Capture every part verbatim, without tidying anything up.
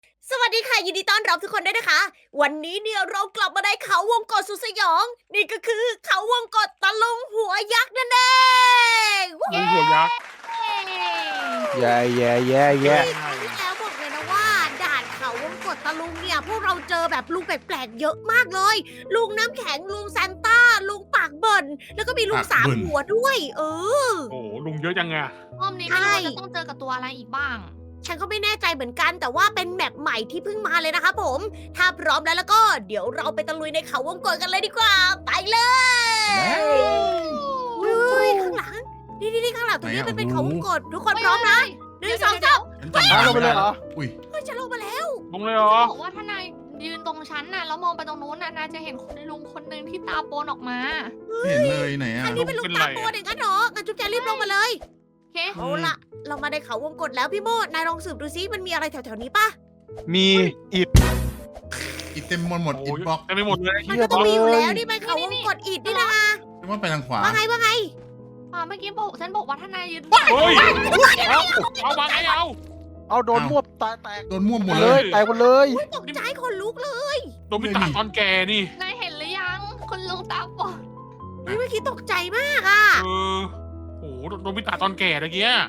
สวัสดีค่ะยินดีต้อนรับทุกคนด้วยนะคะ วันนี้เนี่ยเรากลับมาในเขาวงกตสุดสยอง นี่ก็คือเขาวงกตตะลุงหัวยักษ์นั่นเองวู้ลุงหัวยักษ์แย่แย่แย่แย่ครั้งที่แล้วบอกเลยนะว่าด่านเขาวงกตตะลุงเนี่ยพวกเราเจอแบบลุงแปลกๆเยอะมากเลย ลุงน้ำแข็งลุงซานต้าลุงปากเบิ่นแล้วก็มีลุงสามหัวด้วย เออโอ้โหลุงเยอะจังไงรอบนี้ไม่รู้ว่าจะต้องเจอกับตัวอะไรอีกบ้างฉันก็ไม่แน่ใจเหมือนกันแต่ว่าเป็นแมปใหม่ที่เพิ่งมาเลยนะคะผม ถ้าพร้อมแล้วแล้วก็เดี๋ยวเราไปตะลุยในเขาวงกตกันเลยดีกว่า ไปเลยเฮ้ยข้างหลัง นี่นี่นี่ข้างหลังตรงนี้มันเป็นเขาวงกตทุกคนพร้อมนะหนึ่งสองสามอ้าวลงไปเลยเหรออุ้ยเฮ้ยฉันลงมาแล้วลุงเลยเหรอบอกว่าถ้านายยืนตรงชั้นน่ะแล้วมองไปตรงนู้นน่ะนายจะเห็นคุณลุงคนหนึ่งที่ตาโปนออกมาเห็นเลยไหนอ่ะอันนี้เป็นลูกตาตัวเด็กกันเหรองั้นจุ๊บแจรีบลงมาเลยโอเคเอาละเรามาในเขาวงกตแล้วพี่โมดนายลองสืบดูซิมันมีอะไรแถวๆนี้ปะมีอิดอิดเต็มหมดหมดอิดบล็อกเต็มไปหมดเลยมันก็ต้องมีอยู่แล้วนี่มันเขาวงกตอิฐนี่นะเรียกว่าไปทางขวาว่าไงว่าไงอ่าเมื่อกี้บอกฉันบอกว่าถ้านายยืนเฮ้ยเอาเอามาไงเอาเอาโดนมวบตายแตกโดนม่วหมดเลเลย ยแตกหมดเลยตกใจคนลุกเลยโดนมิตาตอนแกนี่นายเห็นหรือยังคุณลุงตาโปนเฮ้ยเมื่อกี้ตกใจมากอ่ะเออโอ้โหโดนมิตาตอนแก่ตะเกีย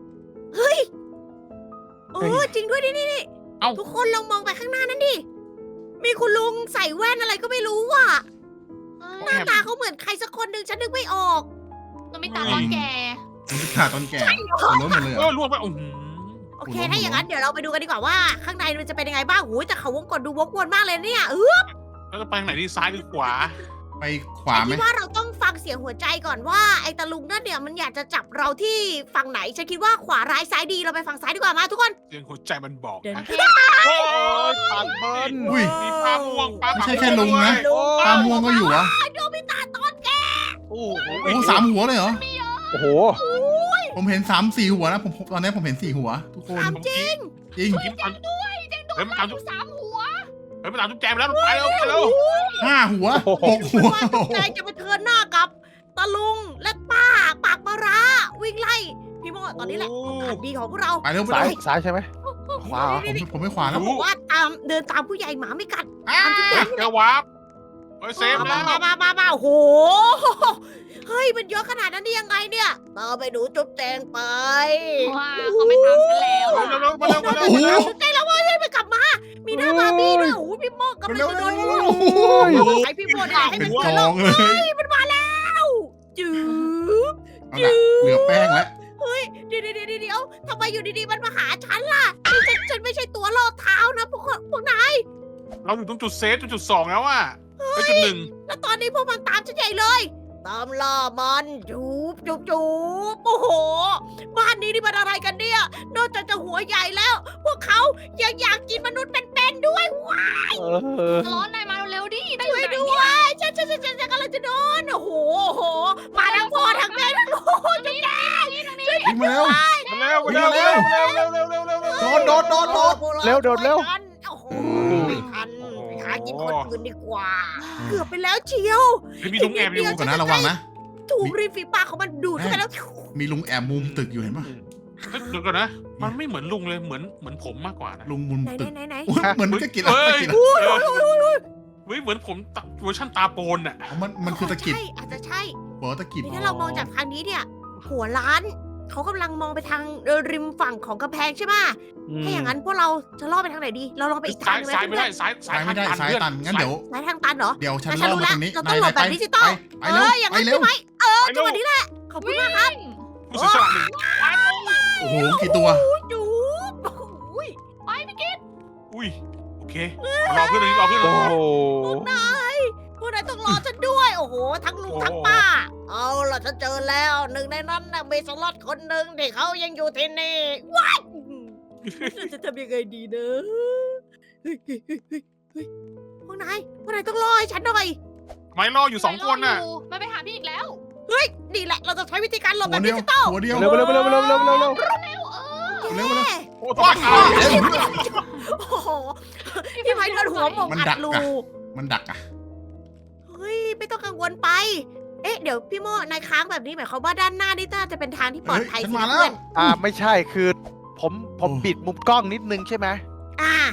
เออจริงด้วยนี่นี่นี่เอ้าทุกคนลองมองไปข้างหน้านั่นดิมีคุณลุงใส่แว่นอะไรก็ไม่รู้ว่ะหน้าตาเขาเหมือนใครสักคนหนึ่งฉันนึกไม่ออกตัวไม่ตาตอนแก่มันขาดตอนแก่หัวล้นหมดเลยเอเหรออล่วงไปโอ้โหโอเคคุณลุงถ้าอย่างนั้นเดี๋ยวเราไปดูกันดีกว่าว่า ข้างในมันจะเป็นยังไงบ้างหูยแต่เขาวงกตดูวกวนมากเลยเนี่ยเออแล้วจะไปทางไหนดีซ้ายหรือขวาไปขวาไหมคิดว่าเราต้องฟังเสียงหัวใจก่อนว่าไอ้ตะลุงนั่นเนี่ยมันอยากจะจับเราที่ฝั่งไหนฉันคิดว่าขวาร้ายซ้ายดีเราไปฝั่งซ้ายดีกว่ามาทุกคนเสียงหัวใจมันบอกเดินนะเพ่โอ้ยปากเบิ้ลอุ้ยมีปลาม่วงปลาไม่ใช่แค่ลุงนะ ตาม่วงก็อยู่วะโดมิตาตอนแกโอ้โหโอ้โหสามหัวเลยเหรอโอ้โหผมเห็นสามสี่หัวนะผมตอนนี้ผมเห็นสี่หัว ทุกคนถามจริงจริงกินตอนเฮ้ยมันตามอทุกยู่สามหัวเฮ้ยมันตามทุกแจมแล้วไปเร็วไปเร็วห้าหัวหกหัวว่าจุ๊บแจงจะไปเทินหน้ากับตะลุงและป้าปากมาราวิ่งไล่พี่โมตอนนี้แหละโอกาสดีของพวกเราไปเร็วไปซ้ายเร็วซ้ายใช่ไหมขวาเหรอผมผมไม่ขวาแล้เขาวบอกว่าตามเดินตามผู้ใหญ่หมาไม่กัดอ้าเจอวาร์ปเฮ้ยเซฟมาแล้วมามามามาโอ้โหเฮ้ยมันเยอะขนาดนั้นได้ยังไงเนี่ยตามไปดูจุ๊บแจงไปว่าเขาไม่ตามฉันแล้วเร็วเร็วมาเร็วมาเร็วโอ้มาโหเร็วจุ๊บแจงแล้วเว้ยไปกลับมา มีหน้าบาร์บี้ด้วยโอ้โหพี่โมกำลังจะโดนเร็วไอพี่โมนี่แหละให้เป็มัน นกเกิดอโลงกเลยมันมาแล้วจืบเอาละเหลือแป้งแล้วเดี๋ยวเดี๋ยวเดี๋ยวเดี๋ยวทำไมอยู่ดีๆมันมาหาฉันล่ะนี่ฉันฉันไม่ใช่ตัวล่อเท้านะพวกคนพวกนายเราอยู่ตรงจุดเซฟตรงจุดสองแล้วอะไปจุดหนึ่งแล้วตอนนี้พวกมันตามฉันใหญ่เลย ตามล่ามันจูบจูบจูบโอ้โห บ้านนี้นี่มันอะไรกันเนี่ย นอกจากจะหัวใหญ่แล้ว พวกเขายังอยากกินมนุษย์เป็นๆด้วยว้ายเออร้อนนายมาเร็วๆดิได้อช่ยู่วยไหนด้วยฉันฉันฉันฉันฉันกำลังจะโดนโอ้โหโอ้โห มาทั้งพ่อทั้งแม่ทั้งลูกจุ๊บแจ๊วิ่งมาเร็วมาเร็วมาเร็วมาเร็วมาเร็วเร็วเร็วเร็วเร็วเร็วโดดโดดโดดโดดเร็วโดดเร็วโอ้โหไม่ทันไปหากินคนอื่นดีกว่า เกือบไปแล้วเชียวเฮ้ยมีลุงแอบอยู่ก่อนนะระวังนะถูกริมฝีปากของมันดูดเข้าไปแล้วมีลุงแอบมุมตึกอยู่เห็นปะเฮ้ยเดี๋ยวก่อนนะ มันไม่เหมือนลุงเลย เหมือนเหมือนผมมากกว่านะลุงมุมไหนตึกไหนไหนอุ๊ยเหมือนมันจะกินอะไรเฮ้จะยกินเฮ้ยโอ้ยโอ้ยโอ้ยโอ้ยเฮ้ยเหมือนผมตะเวอร์ชันตาโปนอะอ๋อมันมันคือตะกิบใช่อาจจะใช่หัวตะกิบนี่ถ้าเรามองจากทางนี้เนี่ย หัวร้าน เขากำลังมองไปทางริมฝั่งของกำแพงใช่ไหมถ้าอย่างนั้นพวกเราจะล่อไปทางไหนดี เราลองไปอีกทาซ้าง ยหนึงไหมซ้ายไม่ได้ ซ้ายซ้าซ้าย ยไม่ได้ซ้ายทางเพื่อนตันงั้นเดี๋ยวสายทางตันเหรอเดี๋ยวฉันงั้นฉันล่อรู้มาแล้วตรงนี้เราต้องหลบแบบดิจิตอลไปเอเร็วออย่างไปนั้นเร็ใช่วไหมเออไปเร็จังวหวะนี้แหละ ขอบคุณมากครับผู้เสียสละหนึ่งโอ้โหกี่ตัวจูบโอ้ยอุ้ย โอเค รอเพื่อนเลยรอเพื่อนเลโอ้ยโหพวกนายพวกนายต้องรอฉันด้วย โอ้โห ทั้งลุงทั้งป้า เอาล่ะฉันเจอแล้ว หนึ่งในนั้นน่ะมีสล็อตคนหนึ่งที่เขายังอยู่ที่นี่ว้ายเราจะทำยังไงดีนะเฮ้ยเฮ้ยเฮ้ยเฮ้ยเฮ้ยพวกนายพวกนายต้องรอให้ฉันหน่อยไม่รออยู่สองคนน่ะมันไปหาพี่อีกแล้วเฮ้ย นี่แหละ เราจะใช้วิธีการหลบหัแบวบเดีดิยวจิตอลหัวเดียวเร็วเร็วเร็วเร็วเร็วเร็วเร็วเร็วเออเร็วเร็วโอ้ทำไมเอาโอ้โหพี่ไม้โดนหัวหมกมันอัดัดกรูอะ มันดักอ่ะเฮ้ย ไม่ต้องกังวลไป เอ๊ะ เดี๋ยวพี่โมนายค้างแบบนี้หมายความว่าด้านหน้านี่น่าจะเป็นทางที่ปลอดภัยเฮ้ยฉันสิมาแล้วเพื่อนอ่าไม่ใช่คือผมผมโอ้บิดมุมกล้องนิดนึงใช่ไหมอ่า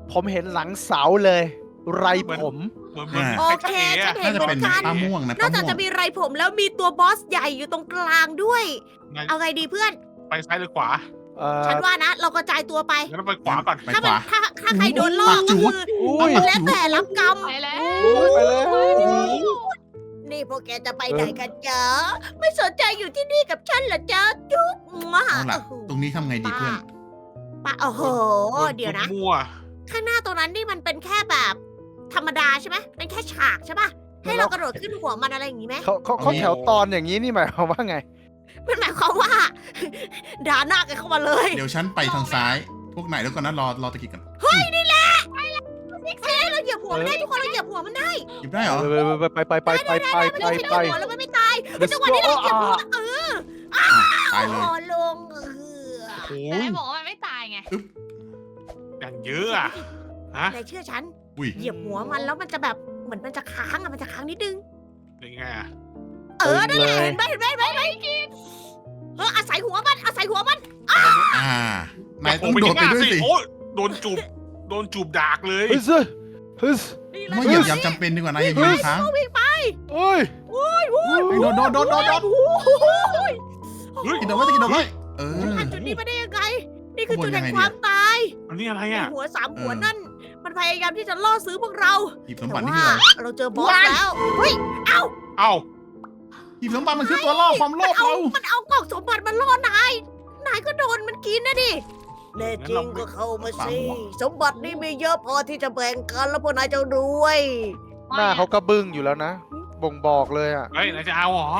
ผมเห็นหลังเสาเลย ไรผมเหมือนเหมือนโอเคฉันเห็น่าน จะเหมืเป็อน นกันป้าม่วงนะน่าป้าจะม่วจะงมีไรผมแล้วมีตัวบอสใหญ่อยู่ตรงกลางด้วยนายเอาไงดีเพื่อนไปซ้ายหรือขวาเอ่อฉันว่านะ เรากระจายตัวไปงั้นไปขวาก่อนไปถ้าขมันวาถ้าถ้าใครโดนล่อปากจูก็ดคืออุ้ยแล้วแต่รับกรรมไปแล้วไปแล้วนี่พวกแกจะไปไหนกันจ๊ะไม่สนใจอยู่ที่นี่กับฉันเหรอจ๊ะจุ๊บมาเอาล่ะ ตรงนี้ทำไงดีเพื่อนป้าโอ้โห เดี๋ยวนะมั่วข้างหน้าตรงนั้นนี่มันเป็นแค่แบบ ธรรมดาใช่ไหมเป็นแค่ฉากใช่ปะให้เรากระโดดขึ้นหัวมันอะไรอย่างงี้ไหมเขาเขาเขาแถวตอนอย่างนี้นี่หมายความว่าไงมันหมายความว่า ด่าหน้ากันเข้ามาเลยเดี๋ยวฉันไปทางซ้าย พวกไหนแล้วก่อนนะรอรอตะกี้กันเฮ้ยนี่แหละซิกซี่เราเหยียบหัวมันได้ทุกคนเราเหยียบหัวมันได้หยิบได้เหรอไปไปไปไปไปไปไม่ไป ไปต้องเหยียบหัวแล้วมันไม่ตาย Let's จังหวะนี้เราเหยียบหัว go เอออ่ะตายเลยอ๋อลงเออโอ้แต่ยได้บอกว่ามันไม่ตายไงอย่างเยอะอะฮะนายเชื่อฉันอุ้ยเหยียบหัวมันแล้วมันจะแบบเหมือนมันจะค้างอะมันจะค้างนิดนึงยังไงอะเออนั่นแหละเห็นไหมเห็นไหมเห็นไหมเห็นไหมเอออาศัยหัวมันอาศัยหัวมันอ่านายต้องโดดไปด้วยสิโอ้ยโดนจูบโดนจูบดากเลยเฮ้ยซึเฮ้ยนี่ไม่เหยียบยามจำเป็นดีกว่านายอย่ายืนค้างวิ่งไปเฮ้ยโอ้ยโอ้ยเฮ้ยโดดโดดโดดโดดโดดโอ้ยเฮ้ยกินโดดไว้ตะกินโดดไว้เออผ่านจุดนี้มาได้ยังไง นี่คือข้างบนจุดแห่งยังไงความตายอันนี้อะไรไอ้อะหัวสามหัวเออนั่น มันพยายามที่จะล่อซื้อพวกเราหยิบสมแต่บัตินี่ว่าคืออะไรเราเจอบอสแล้ว เฮ้ยเอ้าหยิบสมบัติมันคือตัวล่อความโลมันภเอาเรามันเอากล่องสมบัติมาล่อนาย นายก็โดนมันกินนะดิแน่จริงก็เข้ามาสิ สมบัตินี่มีเยอะพอที่จะแบ่งกันแล้วพวกนายจะรวยหน้าเขาก็บึ้งอยู่แล้วนะ บ่งบอกเลยอ่ะเฮ้ยนายจะเอาเหรอ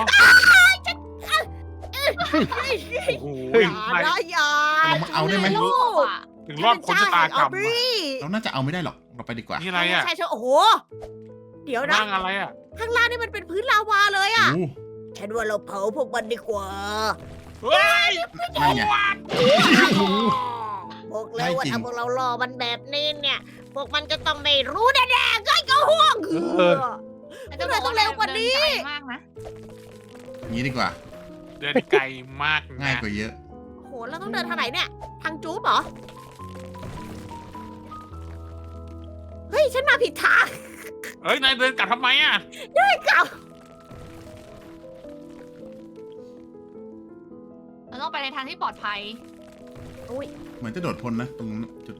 โอ้โหอย่านะอย่าเอามาเอาได้ไหมลูกถึงรอดพ้นชะตากรรมบอะรีเราน่าจะเอาไม่ได้หรอกเราไปดีกว่านี่อะไรอะใช่ใช่โอ้โห เดี๋ยวนะนั่งอะไรอะข้างล่างนี่มันเป็นพื้นลาวาเลยอ่ะโอ้ฉันว่าเราเผาพวกมันดีกว่าเฮ้ยนั่นไงบอกแล้วว่าได้จริงถ้าพวกเรารอมันแบบนี้เนี่ย พวกมันจะต้องไม่รู้แน่ๆก็ก็ห่วงเออแต่จะบอกว่าเร็วกว่านี้เดิไกลมากนะอย่างนี้ดีกว่าเดินไกลมากนะง่ายกว่าเยอะโหเราต้องเดินทางไหนเนี่ย ทางจู๊บเหรอ เฮ้ย ฉันมาผิดทางเฮ้ยนายเดินกลับทำไมอะไม่กลับเราต้องไปในทางที่ปลอดภัยเหมือนจะโดดพ้นนะตรงจุด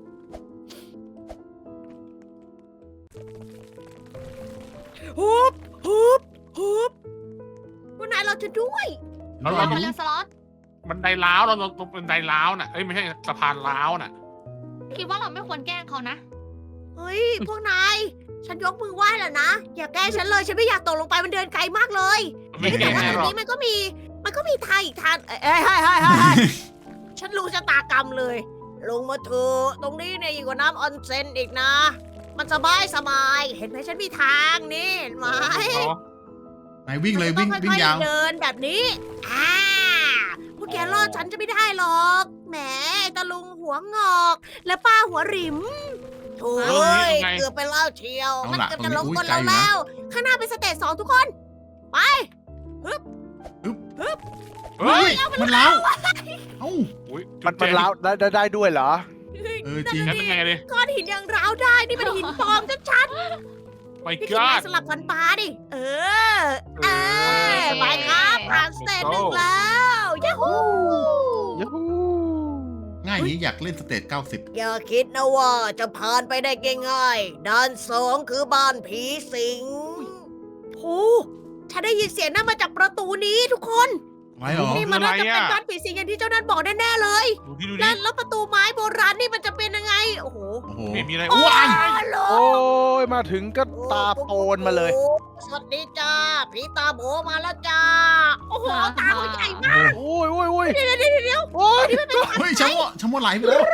ฮุบฮุบฮุบวันไหนเราจะด้วยเราเราเราไปเรือสล็อตบันไดล้าวเราตรงบันไดล้าวน่ะเอ้ยไม่ใช่สะพานล้าวน่ะคิดว่าเราไม่ควรแกล้งเขานะเฮ้ย พวกนาย ฉันยกมือไหว้แล้วนะ อย่าแกล้งฉันเลย ฉันไม่อยากตกลงไปมันเดินไกลมากเลยไม่แต่เก่งว่าแน่ตรหรง อกนี้มันก็มี มันก็มีทางอีกทาง เอ้ยเอ้ยเฮ้ยเฮ้ยเฮ้ยเฮ้ยฉันรู้ชะตากรรมเลย ลงมาเถอะตรงนี้เนี่ยยิ่งกว่าน้ำออนเซ็นอีกนะ มันสบายสบาย เห็นไหมฉันมีทางนี่เห็นไหมอ๋อนายวิ่งเลยวิ่งมันวิ่ต้องงยาวค่อๆเดินแบบนี้ อ่า พวกแกรอดฉันจะไม่ได้หรอก แหมไอ้ตะลุงหัวงอก และป้าหัวหริมโถ่เอ้ยเกือบไปแล้วเชียวเอามันล่ะเกือบตรงจะนี้ลงอุ้ยบนไกลเราอยู่นะแล้ว ข้างหน้าเป็นสเตจสองทุกคน ไปเฮ้ยเฮ้ยมันเล้าเอ้าอุ๊ยมันมันล้าวได้ได้ได้ด้วยเหรอเออจริงงั้นเป็นไงดิก้อนหินยังร้าวได้ นี่มันหินปลอมชัดไม่ๆนี่กคือล้าไม้สลับฟันปลาดิ เออ เออ ไปครับผ่านสเตจหนึ่งแล้วยาฮูยูฮูง่ายอย่างนี้อยากเล่นสเตจเก้าสิบอย่าคิดนะว่าจะผ่านไปได้ง่ายๆด้านสองคือบ้านผีสิงโอ้ฉันได้ยินเสียงนั่นมาจากประตูนี้ทุกคนไว้เหรอนี่มันน่าจะเป็นบ้านผีสิงอย่างที่เจ้านั่นบอกแน่ๆเลยดูดิดูดิแล้วแล้วประตูไม้โบราณนี่มันจะเป็นยังไง โอ้โหโอ้โหไม่มีอะไรโอ้อ้วนโหโอ้ยมาถึงก็ตาโปนมาเลยสวัสดีจ้าผีตาโบมาแล้วจ้า โอ้โหตาเขาใหญ่มากโอ้ยโอ้ยโอ้ยเดี๋ยวเดี๋ยวเดี๋ยวโอ้ยเฮ้ยชัมโมชัมโมไหลไปแล้ว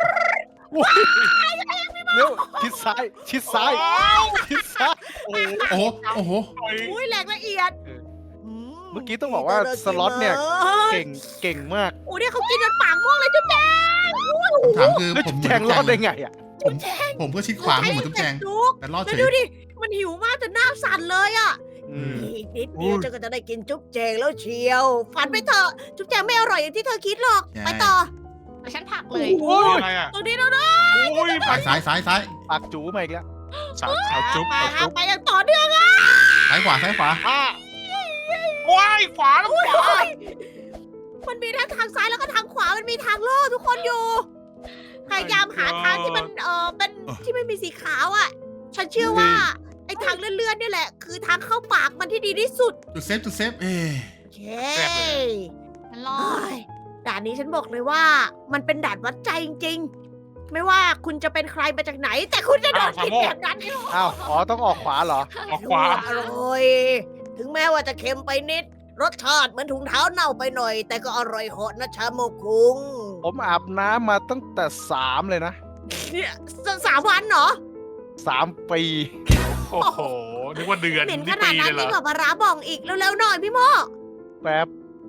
เร็วชิดซ้าย ชิดซ้าย ชิดซ้าย โอ้ยโอ้โหโอ้โหอุ้ยแหลกละเอียดเมื่อกี้ต้องบอกว่าสล็อตเนี่ย เก่ง เก่งมากโอ้เนี่ยเขากินจนปากม่วงเลยจุ๊บแจงคำถามคือแล้วผมเหแจมือนงจุ๊บรอดแจได้งไงอ่ะผมผมก็ชิดขวาเหมือนจุ๊บแจงจุกแต่รอดแล้วเฉดูยดิ มันหิวมากจนหน้าสั่นเลยอ่ะอืมอีกนิดเดียวเจ้าก็จะได้กินจุ๊บแจงแล้วเชียว ฝันไปเถอะ จุ๊บแจงไม่อร่อยอย่างที่เธอคิดหรอก ไปต่อแต่ฉันผลักเลยโอ้นี่ยอะไรอ่ะตรงนี้เราได้โอ้ยซ้ายซ้ายซ้ายซ้ายปากจูมาอีกแล้วสาวสาวจุ๊บไปสาวครับจุ๊บไปอย่างต่อเนื่องอะซ้ายขวาซ้ายขวาอ่ะว้ายขวาแล้วขวาโอ้ยมันมีทั้งทางซ้ายแล้วก็ทางขวามันมีทางโล่ทุกคนอยู่พยายามหาทางที่มันเออเป็นที่ไม่มีสีขาวอ่ะ ฉันเชื่อว่าไอ้ทางเลื่อนๆนี่แหละ คือทางเข้าปากมันที่ดีที่สุดจุดเซฟจุดเซฟเอ๊ะโอเคฉันรอเฮ้ยด่านนี้ฉันบอกเลยว่า มันเป็นด่านวัดใจจริงๆ ไม่ว่าคุณจะเป็นใครมาจากไหน แต่คุณจะโดนกินแบบนั้นนี่อ้าวอ๋อต้องออกขวาเหรอออกขวาอร่อย ถึงแม้ว่าจะเค็มไปนิด รสชาติเหมือนถุงเท้าเน่าไปหน่อย แต่ก็อร่อยเหาะนะชาโมคุงผมอาบน้ำมาตั้งแต่สามเลยนะเนี่ยสสามวันเหรอสามปีโอ้โหนึกว่าเดือนเหม็นขนี่นาปีดนั้เลนยเหรยิ่องกว่าปลาร้าบองอีกเร็วๆหน่อยพี่โมแป๊บ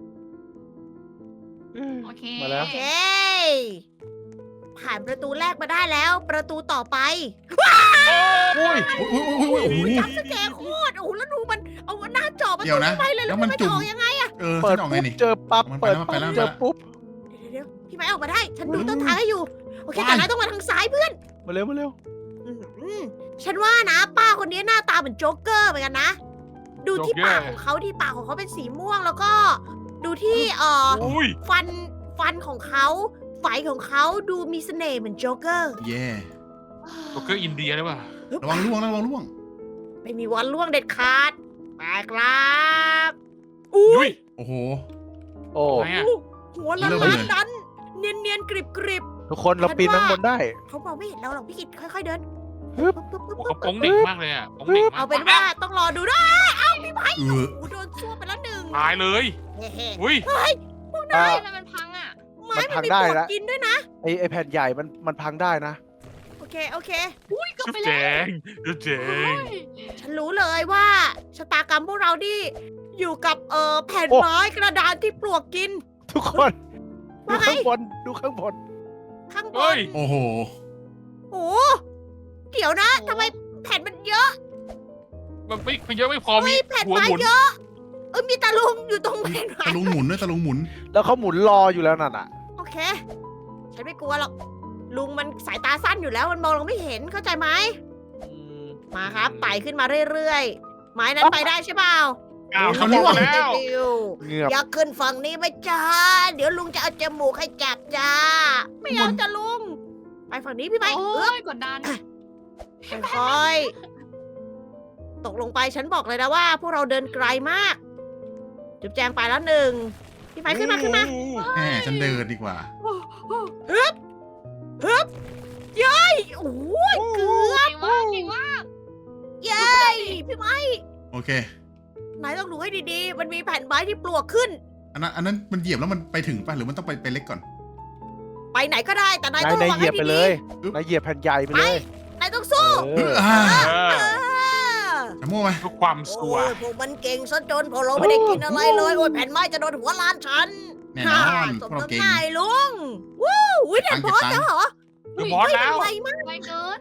โอเคมาแล้วโอเค ผ่านประตูแรกมาได้แล้ว ประตูต่อไปอุ้ยอุ้ยอุ้ยอุ้ยอุ้ยโอ้โหจับสแกร์โคตรโอ้โหแล้วดูมันเอาหน้าจอมันเดี๋ยวนะไปเลยแล้แล้ววมัมัน นไม่จุ่มออกยังไงเออเปิดฉันออกไงปุ๊บนี่เจอปั๊บมันไปเปิดแล้วปั๊บมันไปแล้วเจอปุ๊บเดี๋ยวๆพี่ไม้ออกมาได้ ฉันดูอืมต้นทางให้อยู่ โอเคว้ายแต่นายต้องมาทางซ้ายเพื่อนมาเร็วมาเร็วอื้อหือฉันว่านะ ป้าคนนี้หน้าตาเหมือนโจ๊กเกอร์เหมือนกันนะ ดูที่ปากของเขาที่ปากของเขาเป็นสีม่วงแล้วก็ ดูที่เอ่ออุ้ยฟันฟันของเขาไฟของเขาดูมีเสน่ห์เหมือนโจ๊กเกอร์เย่โจ๊กเกอร์อินเดียหรือเปล่าระวังล่วงนะระวังล่วงไม่มีวันล่วงเด็ดขาดไปครับอุ้อุ้ยยโอ้โหโอ้ไหนอะหัวละเริ่มล้าเลนยดันเนียนเนียนๆกริบกริบทุกคนเราปีนข้างบนได้ๆเขามองไม่เห็นเราหรอกพี่กิตค่อยๆเดินฮึบปึ๊บปึ๊บโอ้ปึ๊บเขาโป้งเด็กมากเลยอ่ะโป้งเด็กมากเอาเป็นว่าต้องรอดูด้วยเออโอ้โหโดนซั่วไปแล้วหนึ่งตายเลยเฮ้อุ้ยเฮ้ยพวกอ่านายทำไมมันพังอ่ะไม้มันมัพันงมีได้ปลวกแล้วกินด้วยนะไอไอแผ่นใหญ่มันมันพังได้นะโอเคโอเคอุ้ยเก็จุ๊บไปแจแล้วงจุ๊บแจงฉันรู้เลยว่าชะตากรรมพวกเราที่อยู่กับเอ่อแผ่นโอ้ไม้กระดานที่ปลวกกินทุกคน ดูว่าไงข้างบนดูข้างบนข้างบเฮ้นยโอ้โหโอ้เดี๋ยวนะทำไมแผ่นมันเยอะมันไม่มันเยอะไม่พอมีเฮ้ยแผ่นหัวไม้หมุนเยอะเออมีตาลุงอยู่ตรงแผ่นไม้ตะลุงหมุนด้วยตะลุงหมุนแล้วเขาหมุนรออยู่แล้วนั่นอ่ะโอเค ฉันไม่กลัวหรอกลุงมันสายตาสั้นอยู่แล้วมันมองเราไม่เห็นเข้าใจไหมมาครับไต่ขึ้นมาเรื่อยๆไม้นั้นไปได้ใช่เปล่าอ้าวเขาเขาล่ล่ววงงแล้วดิวเงือบอยากขึ้นฝั่งนี้ไหมจ้า เดี๋ยวลุงจะเอาจมูกให้จับจ้า ไม่เอาจ้ะลุง ไปฝั่งนี้พี่ไม้โอ้เอื้อยกดดันค่อยๆตกลงไปฉันบอกเลยนะว่า พวกเราเดินไกลมาก จุ๊บแจงไปแล้วหนึ่งพี่ไม้ขึ้นมาขึ้นมาแหมฉันเดินดีกว่าฮึบฮึบเย้ยโอ้ยเกือบเก่งมากเก่งมากเย้ยพี่ไม้โอเคนายต้องดูให้ดีๆ มันมีแผ่นไม้ที่ปลวกขึ้นอันนั้นอันนั้นมันเหยียบแล้วมันไปถึงป่ะหรือมันต้องไปไปเล็กก่อนไปไหนก็ได้แต่นายนายต้องนายระวังเหยีให้ยบไปดีเลยอึ๊บนายเหยียบแผ่นใหญ่ไปๆไปเลยนายต้องสู้เอออ่าเอเอออจะมั่วไหมทุกความสัวโอ้ยพวกมันเก่งซะจนพวกเราไม่ได้กินอะไรเลย โอ้ยแผ่นไม้จะโดนหัวล้านฉันแน่นอนสพวมกเราน้ำเก่งหน้าไอ้ลุงวู้วิเด็ดพอสแล้วเหรอเดี๋ยวบอสแล้วไวมากไวเกิน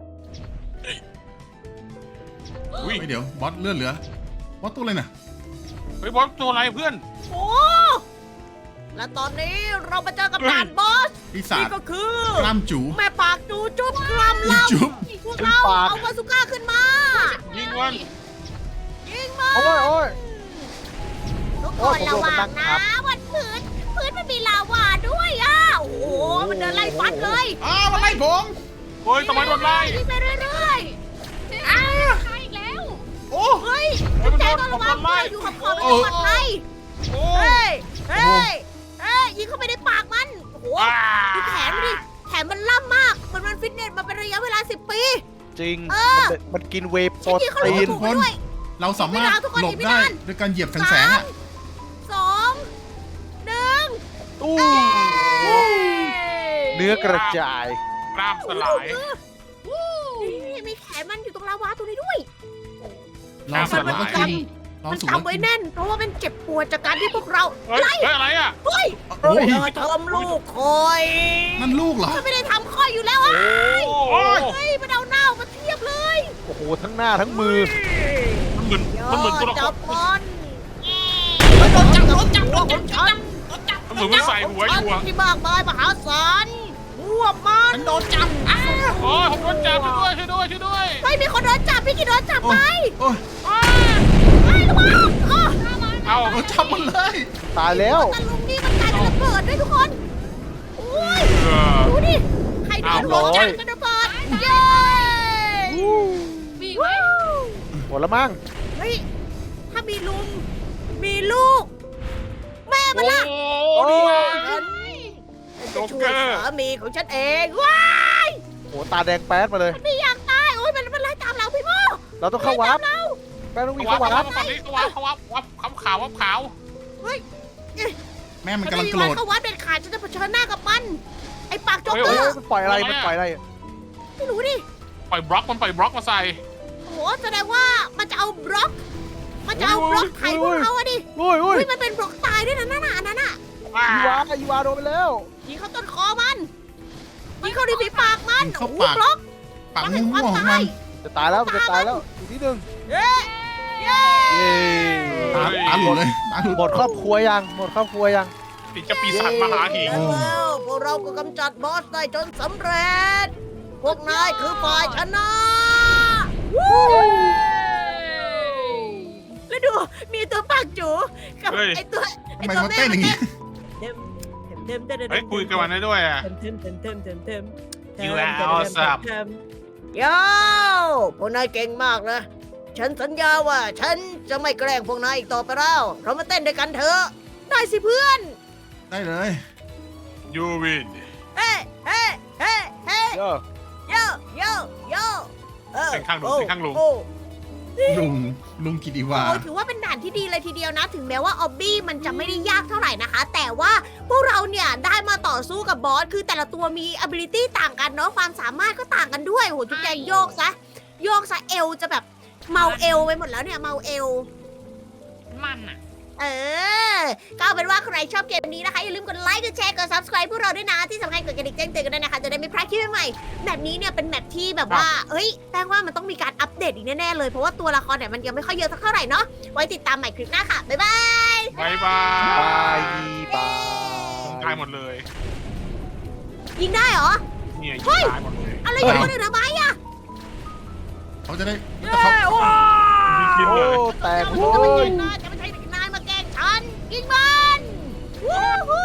อุ้ยเฮ้ยเดี๋ยวบอสเลื่อนเหลือ บอสตัวอะไรน่ะเฮ้ยบอสตัวอะไรเพื่อนโอ้และตอนนี้เรามาเจอกับด่านบอสปีศานี่จก็คือกล้ามจูแม่ปากจูจุ๊บกรัมลจุ๊บำพวกเราเอาบาสุก้าขึ้นมายิงมันยิงมาโอ้ยโอ้ยทุกคโอ้นยผมระโดนวัมันนั่งงทันะบวันพื้นพื้นมันมีลาวาด้วยอ่ะโอ้โหมันเดินไล่ฟัดเลยอ้าวมาไล่ผมเฮ้ยทำไมโดนไล่ยิงไปเรื่อยอ้าใครอีกแล้วโอ้ๆเฮ้ยเฮ้ยมันแจโดงนต้องผระมวังโดนไล่ด้วยอยู่กับขอบมันจะปลอดภัยโอ้เฮ้ยเฮ้ยเฮ้ยยิงเข้าไปในปากมันโอ้โหว้าดูแขนมันดิแขนมันล่ำมากมันมันฟิตเนสมาเป็นระยะเวลาสิบปีจริงเออมันมันกินเวย์โปฉัรนยิงเขาตีลูกนถูกไปด้วยเราสามารถไม่ได้ทุกคนหลบไม่ได้ได้ด้วยการเหยียบแสงๆอ่ะสองหนึ่งตู้ เนื้อกระจายกล้ามสลายนี่มีแขนมันอยู่ตรงลาวาตรงนี้ด้วยเราสุดมัแล้วนก็กคือเรามันสุดแล้วจำไว้แน่น เพราะว่ามันเจ็บปวดจากการที่พวกเราเฮ้ยเฮ้ยอะไรอ่ะเฮ้ยโอ้ยเธอทำลูกคอยนั่นลูกเหรอฉันไม่ได้ทำคอยอยู่แล้วอ่ะโอ้ยเฮ้ยมันเอาเน่ามาเทียบเลยโอ้โห ทั้งหน้าทั้งมือมันเหมือนมันเหมือนตัวละคจัรบมันโดนจับโดนจับโดนจับฉันเเหมือนมันใส่หัวอยู่อะที่มากมายมหาศาลพวกมันฉันโดนจับอ้าวโอ้ยผมโดนจับช่วยด้วยช่วยด้วยช่วยด้วยไม่มีคนโดนจับพี่กินโดนจับโอ้ไปยโอ้ยอ้าไอ้ระวังอ้อเอาโดนจับหมดเลยตายแล้วตะลุงนี่มันกลายเป็นระเบิดด้วยทุกคนอุ้ยเออดูดิใครโดนหัวจับเป็นระเบิดเย้มีอีกไหมหมดแล้วมั้งเฮ้ยถ้ามีลุงมีลูก แม่มันล่ะโอ้ดีฉันโจ๊จะกช่วเกยอร์สามีของฉันเองว้ายโหตาแดงแป๊ดมาเลยไม่อยากตายโอ้ยมันมันไล่ตามเราพี่โมเราต้องเข้าวาร์ปแป้งต้องวิ่งเขาวัเข้าบวาเขาร์ปวับเขาวับเขาวับเขาวับเขาขาววับขาวแม่มันมันกำลัไม่งมีโกรวันธเข้าวัดเด็ดขาดฉันจะเผชิญหน้ากับมัน ไอ้ปากโจ๊กเฮ้ยเกอเฮ้ยร์มันปล่อยอะไรมันปล่อยอะไรไม่รู้ดิปล่อยบล็อกมันปล่อยบล็อกมาใส่โอ้โหแสดงว่ามันจะเอาบล็อก มันจะเอาบล็อกไข่พวกเขาอะดิอุ้ยอุ้ยเฮ้ยมันเป็นบล็อกตายด้วยนะนั่นน่ะอันนั้นน่ะว้ายูวายูวาโดนไปแล้วยิงเข้าต้นคอมันยิงเข้าที่ฝีปากมันยิงเข้าโอ้โหปากบล็อกปากบล็อกม่แห่งความวงๆของตามัยนจะตายแล้วมันจะตายแล้วอีกนิดนึงเย้เย้เย้ตาตาหลุดเลยตาหลุดหมดครอบครัวยังหมดครอบครัวยังติดจะปีศาจมหาหิงแล้วแล้วพวกเราก็กำจัดบอสได้จนสำเร็จ พวกนายคือฝ่ายชนะวู้แล้วดูมีตัวปากจูกับไอตัวทำไมมันเต้นอย่างงี้เต็มเต็มเต็มเต็มเฮ้ยคุยกับมันได้ด้วยอ่ะเต็มเต็มเต็มเต็มเต็มเต็ม You are awesome โย่พวกนายเก่งมากนะ ฉันสัญญาว่าฉันจะไม่แกล้งพวกนายอีกต่อไปแล้ว เรามาเต้นด้วยกันเถอะได้สิเพื่อนได้เลยยูวินเฮ้เฮ้เฮ้เฮ้เยอะโยโยโยเออเสียงข้างลุงโอ้เสียงข้างลุงโอ้ลุงลุงกิติวาโอ้ถือว่าเป็นด่านที่ดีเลยทีเดียวนะ ถึงแม้ว่าออบบี้มันจะไม่ได้ยากเท่าไหร่นะคะ แต่ว่าพวกเราเนี่ยได้มาต่อสู้กับบอส คือแต่ละตัวมี ability ต่างกันเนาะ ความสามารถก็ต่างกันด้วย โหจุ๊บแจงโยกซะ โยกซะเอวจะแบบเมาเอวไปหมดแล้วเนี่ย เมาเอวมันอะเออ ก็เอาเป็นว่าใครชอบเกมนี้นะคะ อย่าลืมกดไลค์ กดแชร์ กด subscribe พวกเราด้วยนะ ที่สำคัญกดกระดิ่งแจ้งเตือนกันด้วยนะคะ จะได้ไม่พลาดคลิปใหม่ๆแบบนี้เนี่ยเป็นแบบที่แบบว่า เฮ้ย แป้งว่ามันต้องมีการอัปเดตอีกแน่ๆเลย เพราะว่าตัวละครเนี่ยมันยังไม่ค่อยเยอะสักเท่าไหร่เนาะ ไว้ติดตามใหม่คลิปหน้าค่ะ บ๊ายบายบายบาบายยบายตายหมดเลยยิงได้เหรอเนี่ยยิเฮ้งยตายหมดเลยอะไรอยู่คนอื่นทำไมอะเขาจะได้เย้แต่เขาว้ายิงกินโอ้เลยแตกจะเลไม่ใช่ยนายจะไม่ใช่นายมาแกล้งฉัน ยิงมันวู้ฮู้